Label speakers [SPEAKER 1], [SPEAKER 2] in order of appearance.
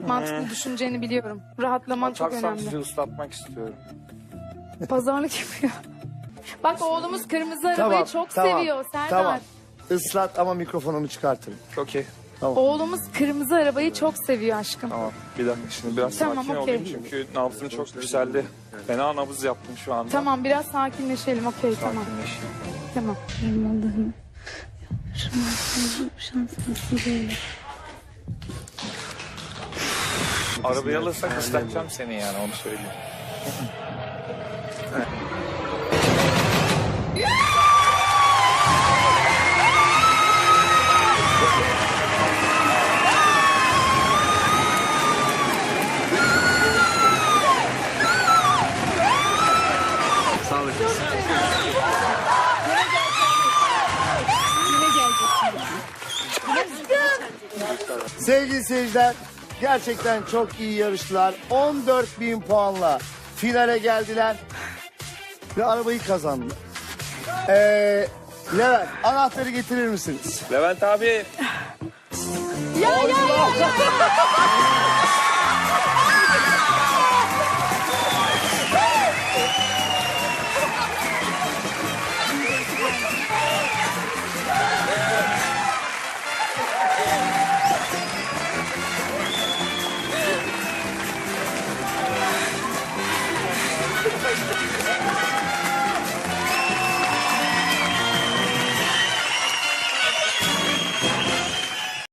[SPEAKER 1] Mantıklı düşüneceğini biliyorum. Rahatlaman çok
[SPEAKER 2] Atarsam
[SPEAKER 1] önemli.
[SPEAKER 2] sizi ıslatmak istiyorum.
[SPEAKER 1] Pazarlık yapıyor. Bak oğlumuz kırmızı arabayı çok seviyor Serdar.
[SPEAKER 3] Tamam. Islat ama mikrofonumu çıkartırım.
[SPEAKER 2] Okey.
[SPEAKER 1] Oğlumuz kırmızı arabayı çok seviyor aşkım.
[SPEAKER 2] Tamam. Bir dakika şimdi biraz
[SPEAKER 1] Tamam,
[SPEAKER 2] sakin
[SPEAKER 1] okey.
[SPEAKER 2] olayım çünkü nabzım çok yükseldi. Fena nabız yaptım şu anda.
[SPEAKER 1] Tamam biraz sakinleşelim. Okey tamam.
[SPEAKER 2] Sakinleşeyim.
[SPEAKER 1] Tamam.
[SPEAKER 4] Benim Allah'ım. Şans nasip eyle.
[SPEAKER 2] Arabayı alırsak ıslatacağım seni yani onu söyleyeyim.
[SPEAKER 3] Sevgili seyirciler, gerçekten çok iyi yarıştılar. 14.000 puanla finale geldiler ve arabayı kazandılar. Levent, anahtarı getirir misiniz?
[SPEAKER 2] Levent abi.
[SPEAKER 1] Ya.